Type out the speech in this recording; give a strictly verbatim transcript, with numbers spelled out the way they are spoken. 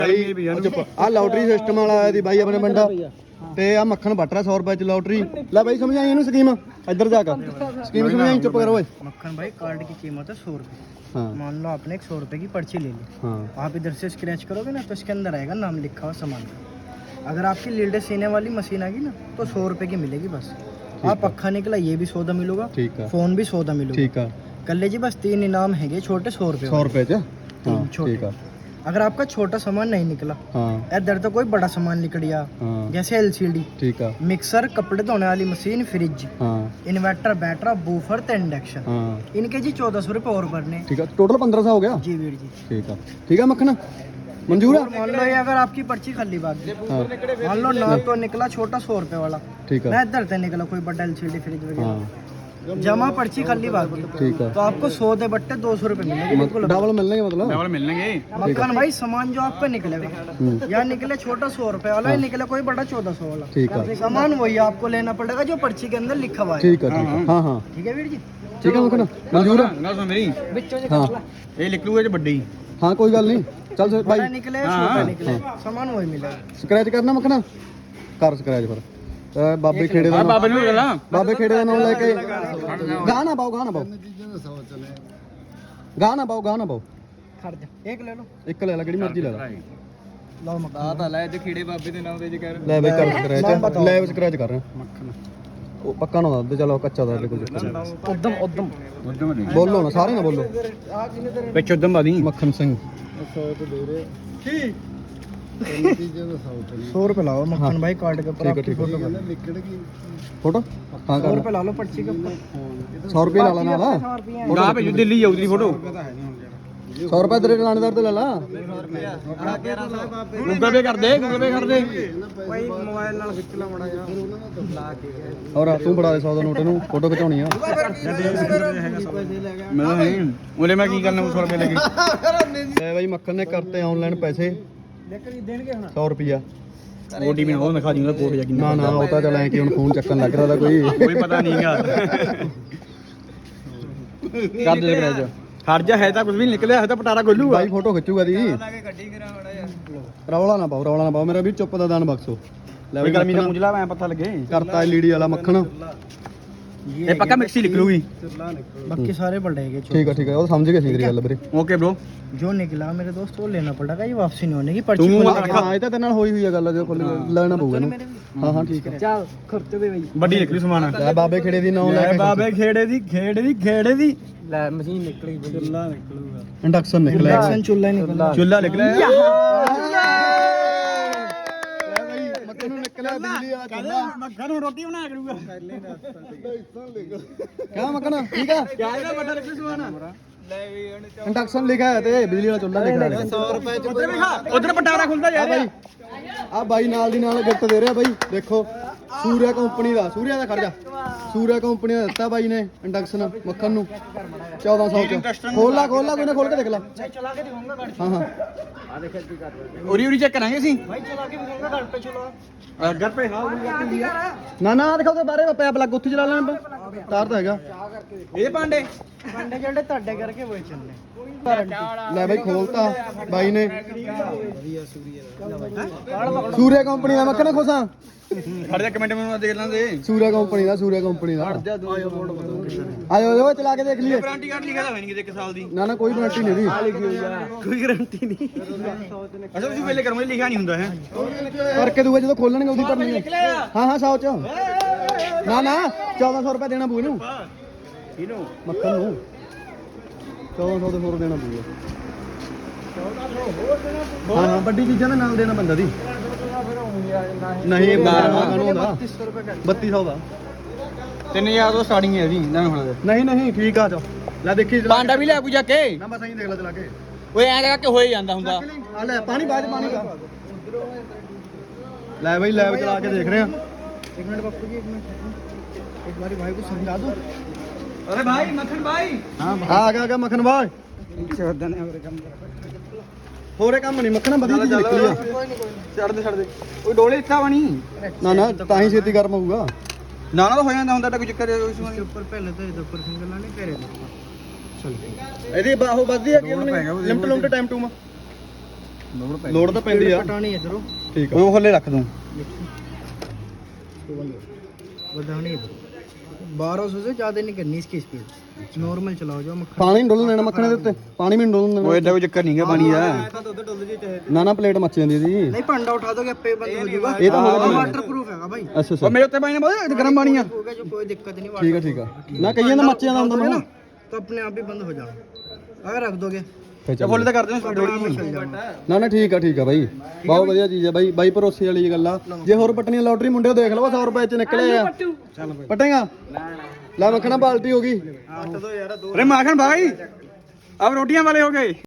ਆ lottery system ਵਾਲਾ ਆਇਆ ਦੀ ਬਾਈ ਆਪਣੇ ਬੰਦਾ ਤੇ ਆ ਮੱਖਣ ਵੱਟ ਰਿਹਾ ਸੌ ਰੁਪਏ ਚ ਲੋਟਰੀ ਲੈ ਬਾਈ ਸਮਝਾਈ ਇਹਨੂੰ ਸਕੀਮ ਇੱਧਰ ਜਾ ਕੇ स्कीम समझाई चुप करो भाई। मक्खन भाई कार्ड की कीमत है सौ रुपये। हाँ। मान लो आपने एक सौ रुपये की पर्ची ले ली। हाँ। आप इधर से स्क्रैच करोगे ना तो इसके अंदर आएगा नाम लिखा हुआ सामान का। अगर आपकी लीडर सीने वाली मशीन आ गई ना तो सौ रुपये की मिलेगी बस। आप पक्का निकला ये भी सौदा मिलूगा, ठीक है, फोन भी सौदा मिलूगा, ठीक है। कर लीजिए बस तीन इनाम है छोटे सौ रुपये सौ रुपये छोटे। अगर आपका छोटा सामान नहीं निकला, हाँ, इधर तो कोई बड़ा सामान निकल गया, हाँ, जैसे एलसीडी, ठीक है, मिक्सर, कपड़े धोने वाली मशीन, फ्रिज, हाँ, इन्वर्टर, बैटरा, बूफर, इंडक्शन, हाँ, इनके जी चौदह सौ रुपये और भरने, ठीक है। टोटल पंद्रह सौ हो गया जी वीर जी, ठीक है, ठीक है। मक्खन मंजूर है। मान लो ये अगर आपकी पर्ची खाली बात, हाँ, मान लो ना तो निकला छोटा सौ रुपये वाला, ठीक है, इधर से निकला कोई बड़ा एलसीडी, फ्रिज वगैरह, जमा पर्ची खाली बात, ठीक है, तो आपको सौ दे बट्टे दो सौ रुपए मिलेंगे, डबल मिलेंगे, मतलब डबल मिलेंगे। मक्खन भाई सामान जो आपका निकलेगा या निकले छोटा सौ रुपए वाला, निकले कोई बड़ा चौदह सौ वाला, ठीक है, सामान वही आपको लेना पड़ेगा जो पर्ची के अंदर लिखा हुआ है, ठीक है, हाँ हाँ, ठीक है वीर जी, ठीक है। मक्खन मंजूर है ना मेरी, हाँ ये लिख लूंगा जो बड्डी, हाँ कोई गल नहीं, चल भाई निकले छोटा निकले सामान वही मिलेगा। स्क्रैच करना मक्खन कर स्क्रैच फिर बाबे खेड़े ਦਾ ਬਾਬੇ ਨੂੰ ਲਾ ਬਾਬੇ ਖੇੜੇ ਦਾ ਨਾਮ ਲੈ ਕੇ ਗਾਣਾ ਪਾਓ ਗਾਣਾ ਪਾਓ ਗਾਣਾ ਪਾਓ ਗਾਣਾ ਪਾਓ ਖੜ ਜਾ ਇੱਕ ਲੈ ਲਓ ਇੱਕ ਲੈ ਲੈ ਕਿਹੜੀ ਮਰਜ਼ੀ ਲੈ ਲੈ ਲਓ ਮੱਖਣ ਆ ਤਾਂ ਲੈ ਜੇ ਖੇੜੇ ਬਾਬੇ ਦੇ ਨਾਮ ਤੇ ਜੇ ਕਰ ਲੈ ਬਈ ਕਰ ਸਕ੍ਰੈਚ ਲੈ ਸਕ੍ਰੈਚ ਕਰ ਰਿਹਾ ਮੱਖਣ ਉਹ ਪੱਕਾ ਨਾ ਦੱਸ ਚਲੋ ਕੱਚਾ ਦਾ ਕੋਈ ਉਦਮ ਉਦਮ ਉਦਮ ਬੋਲੋ ਨਾ ਸਾਰੇ ਨਾ ਬੋਲੋ ਵਿੱਚ ਉਦਮ ਬਾਦੀ ਮੱਖਣ ਸਿੰਘ ਸੌ ਤੇ ਦੇ ਰਹੇ ਕੀ सौ रुपए लाओ मक्खन भाई कार्ड के ऊपर आपकी फोटो फोटो हाँ सौ रुपए ला लो पर्ची के ऊपर सौ रुपये ला लेना ना भेजो दिल्ली जाओ तेरी फोटो सौ रुपए तेरे लानेदार तो ले ला गूगल पे कर दे गूगल पे कर दे भाई मोबाइल नाल खिच ला मड़ा यार और तू बड़ा दे सौ का नोट नु फोटो खिचाउनी है मैं नहीं बोले मैं की करना सौ रुपए लेके भाई मक्खन ने करते ऑनलाइन पैसे सौ रुपया कोडी में और दिखा दूंगा कोड जाके ना ना होता चला है कि हुन फोन चक्कन लग रहा था कोई कोई पता नहीं है कर दे कर जा हट जा है तो कुछ भी निकले है तो पटारा गोलू भाई फोटो खिचूगा दी रौला ना पाओ रौला ना पाओ मेरा भी चुप दा दान बक्सो ले भाई गर्मी दा मुंजला मैं पता लगे करता एलईडी वाला मक्खन ये पक्का मिक्सी लिख लूगी बाकी सारे पलटेंगे ठीक है ठीक है वो समझ गए सी गल ਵੀਰੇ ओके ब्रो जो निकला मेरे दोस्त वो लेना पड़ेगा ये वापसी नहीं होने की पर्ची हां ਇਹ ਤਾਂ ਤੇਰੇ ਨਾਲ ਹੋਈ ਹੋਈ ਹੈ ਗੱਲ ਜੋ ਲੈਣਾ ਪਊਗਾ ਇਹਨੂੰ ਹਾਂ ਹਾਂ ਠੀਕ ਹੈ ਚੱਲ ਖਰਚੇ ਦੇ ਬਈ ਵੱਡੀ ਨਿਕਲੀ ਸਮਾਨ ਲੈ ਬਾਬੇ ਖੇੜੇ ਦੀ ਨਾਮ ਲੈ ਬਾਬੇ ਖੇੜੇ ਦੀ ਖੇੜੇ ਦੀ ਖੇੜੇ ਦੀ ਲੈ ਮਸ਼ੀਨ ਨਿਕਲੀ ਚੁੱਲਾ ਨਿਕਲੂਗਾ ਇੰਡਕਸ਼ਨ ਨਿਕਲਿਆ ਇੰਡਕਸ਼ਨ ਚੁੱਲਾ ਨਿਕਲਿਆ ਚੁੱਲਾ ਨਿਕਲਿਆ ਨਿਕਲਿਆ ਬਿਜਲੀ ਵਾਲਾ ਚੁੱਲਾ ਮੱਖਣ ਨੂੰ ਰੋਟੀ ਬਣਾ ਕਰੂਗਾ ਕਰ ਲੈਣਾ ਕਿਆ ਮੱਖਣ ਠੀਕ ਆ ਕਿਆ ਇਹਦਾ ਵੱਡਾ ਨਿਕਲੀ ਸਮਾਨ ਲੈ ਵੀ ਇੰਡਕਸ਼ਨ ਲਿਖਿਆ ਹੈ ਤੇ ਬਿਜਲੀ ਵਾਲਾ ਚੁੱਲਾ ਲਿਖਿਆ ਹੈ ਸੌ ਰੁਪਏ ਚ ਉਧਰ ਪਟਾਰਾ ਖੁੱਲਦਾ ਯਾਰ ਬਾਈ ਆ ਬਾਈ ਨਾਲ ਦੀ ਨਾਲ ਗਿਫਟ ਦੇ ਰਿਹਾ ਬਾਈ ਦੇਖੋ ਸੂਰਿਆ ਕੰਪਨੀ ਦਾ ਸੂਰਿਆ ਦਾ ਖੜ ਜਾ ਸੂਰਿਆ ਕੰਪਨੀ ਦਾ ਦਿੱਤਾ ਬਾਈ ਨੇ ਇੰਡਕਸ਼ਨ ਮੱਖਣ ਨੂੰ ਚੌਦਾਂ ਸੌ ਚ ਖੋਲ ਲਾ ਖੋਲ ਲਾ ਕੋਈ ਨਾ ਖੋਲ ਕੇ ਦੇਖ ਲਾ ਚਲਾ ਕੇ ਦਿਖਾਉਂਗਾ ਗਾੜੀ ਹਾਂ ਹਾਂ ਆ ਦੇਖ ਕੀ ਕਰ ਰਹੇ ਉਰੀ ਉਰੀ ਚੈੱਕ ਕਰਾਂਗੇ ਅਸੀਂ ਬਾਈ ਚਲਾ ਕੇ ਦਿਖਾਉਂਗਾ ਘਰ ਤੇ ਚਲਾ ਘਰ पे हाँ ना ना दिखाओ तो बारे पैप लग उत्थे चला लेना तार तो हैगा ये पांडे पांडे जेडे ਤੁਹਾਡੇ ਕਰਕੇ ਹੋਏ ਚੱਲਨੇ ਲੈ ਬਾਈ ਖੋਲਤਾ ਬਾਈ ਨੇ ਸੂਰਿਆ ਕੰਪਨੀ ਦਾ ਮੱਖਣ ਖੋਸਾ ਖੜ ਜਾ ਕਮੈਂਟ ਮੈਨੂੰ ਦੇਖ ਲੈਂਦੇ ਸੂਰਿਆ ਕੰਪਨੀ ਦਾ ਸੂਰਿਆ ਕੰਪਨੀ ਦਾ ਖੜ ਜਾ ਆਇਓ ਆਇਓ ਚਲਾ ਕੇ ਦੇਖ ਲਈਏ ਵਾਰੰਟੀ ਕਾਰਡ ਲਿਖਿਆ ਤਾਂ ਹੈ ਨਹੀਂ ਇੱਕ ਸਾਲ ਦੀ ਨਾ ਨਾ ਕੋਈ ਵਾਰੰਟੀ ਨਹੀਂ ਦੀ ਲਿਖੀ ਹੋਈ ਆ ਕੋਈ ਗਾਰੰਟੀ ਨਹੀਂ ਅੱਛਾ ਤੁਸੀਂ ਪਹਿਲੇ ਕਰਮੇ ਲਿਖਿਆ ਨਹੀਂ ਹੁੰਦਾ ਹੈ ਕਰਕੇ ਦੂਗਾ ਜਦੋਂ ਖੋਲਣਗੇ ਉਹਦੀ ਭਰਨੀ ਹੈ ਹਾਂ ਹਾਂ ਸੌ ਚ ਨਾ ਨਾ ਚੌਦਾਂ ਸੌ ਰੁਪਏ ਦੇਣਾ ਪਊ ਇਹਨੂੰ ਇਹਨੂੰ ਮੱਖਣ ਨੂੰ ਚੌਦਾਂ ਸੌ ਦੇ ਹੋਰ ਦੇਣਾ ਪਊਗਾ ਹਾਂ ਹਾਂ ਵੱਡੀ ਚੀਜ਼ਾਂ ਦੇ ਨਾਲ ਦੇਣਾ ਬੰਦਾ ਦੀ ਨਹੀਂ ਬੱਤੀ ਸੌ ਦਾ ਤਿੰਨ ਹਜ਼ਾਰ ਤੋਂ ਸਟਾਰਟਿੰਗ ਹੈ ਜੀ ਨਹੀਂ ਨਹੀਂ ਠੀਕ ਆ ਚੋ ਲੈ ਦੇਖੀ ਪਾਂਡਾ ਵੀ ਲੈ ਕੋਈ ਜਾ ਕੇ ਨਾ ਬਸ ਐਂ ਦੇਖ ਲੈ ਚਲਾ ਕੇ ਓਏ ਐਂ ਕਰਕੇ ਹੋਏ ਜਾਂਦਾ ਹੁੰਦਾ ਆ ਲੈ ਪਾਣੀ ਬਾਅਦ ਪਾਣੀ ਦਾ ਲੈ ਬਈ ਲੈਬ ਚਲਾ ਕੇ ਦੇਖ ਰਹੇ ਆ ਇੱਕ ਮਿੰਟ ਬਾਪੂ ਜੀ ਇੱਕ ਮਿੰਟ ਇੱਕ ਵਾਰੀ ਭਾਈ को समझा दो अरे भाई मक्खन भाई हां आ गया आ गया मक्खन भाई चौदह ने और काम ਹੋਰੇ ਕੰਮ ਨਹੀਂ ਮੱਖਣਾ ਵਧੀਆ ਚੀਜ਼ ਨਿਕਲੀ ਆ ਕੋਈ ਨਹੀਂ ਕੋਈ ਛੱਡ ਦੇ ਛੱਡ ਦੇ ਕੋਈ ਡੋਲੇ ਇੱਥਾ ਬਣੀ ਨਾ ਨਾ ਤਾਂ ਹੀ ਛੇਤੀ ਗਰਮ ਹੋਊਗਾ ਨਾ ਨਾ ਹੋ ਜਾਂਦਾ ਹੁੰਦਾ ਤਾਂ ਕੋਈ ਚੱਕਰ ਇਸ ਵਾਰ ਉੱਪਰ ਪਹਿਲੇ ਤਾਂ ਇਹਦੇ ਉੱਪਰ ਸਿੰਗਲ ਲਾਣੇ ਘਰੇ ਚਲ ਇਹਦੀ ਬਾਹੋ ਵੱਧਦੀ ਹੈ ਕਿ ਲਿਮਟ ਲਿਮਟ ਟਾਈਮ ਟੂ ਮਾ ਲੋੜ ਤਾਂ ਪੈਂਦੀ ਆ ਪਟਾਣੀ ਇਧਰੋਂ ਠੀਕ ਆ ਉਹ ਥੱਲੇ ਰੱਖ ਦੂੰ ਵਧਾਣੀ बारह सौ से ज्यादा नहीं करनी इसकी स्पीड नॉर्मल चलाओ जो मक्खन ਪਾਣੀ ਡੋਲਣ ਦੇਣਾ ਮੱਖਣੇ ਦੇ ਉੱਤੇ ਪਾਣੀ ਵੀ ਡੋਲਣ ਦੇਣਾ ਉਹ ਐਡਾ ਕੋਈ ਚੱਕਰ ਨਹੀਂ ਗਾ ਪਾਣੀ ਦਾ ਨਾ ਨਾ ਪਲੇਟ ਮੱਚ ਜਾਂਦੀ ਇਹਦੀ नहीं पंडा उठा दोगे पे बंद हो जाएगा ਇਹ ਤਾਂ ਹੋਗਾ वाटर प्रूफ है भाई ਅੱਛਾ ਉਹ ਅੱਛਾ ਮੇਰੇ ਉੱਤੇ ਪਾਣੀ ਨਾ ਬਹੁਤ ਗਰਮ ਪਾਣੀ ਆ होगा जो कोई दिक्कत नहीं ਠੀਕ ਆ ਠੀਕ ਆ ਨਾ ਕਈਆਂ ਦਾ ਮੱਚ ਜਾਂਦਾ ਹੁੰਦਾ ਨਾ तो अपने आप ही बंद हो जाना अगर रख दोगे ਫਿਰ ਫੁੱਲ ਤਾਂ ਕਰ ਦਿਓ ਸਪੀਡ अपने आप ही चल जाना ਨਾ ਨਾ ਠੀਕ ਆ ਠੀਕ ਆ ਬਾਈ ਬਹੁਤ ਵਧੀਆ ਚੀਜ਼ ਆ ਬਾਈ ਬਾਈ ਭਰੋਸੇ ਵਾਲੀ ਗੱਲ ਆ ਜੇ ਹੋਰ ਪਟਣੀਆਂ ਲੋਟਰੀ ਮੁੰਡਿਓ ਦੇਖ ਲਓ ਸੌ ਰੁਪਏ ਚ ਨਿਕਲੇ ਆ ਪਟੇਗਾ ਲੈ ਮੱਖਣਾ ਬਾਲਟੀ ਹੋ ਗਈ ਅਰੇ ਮਾਖਣ ਭਾਈ अब रोटियां वाले हो गए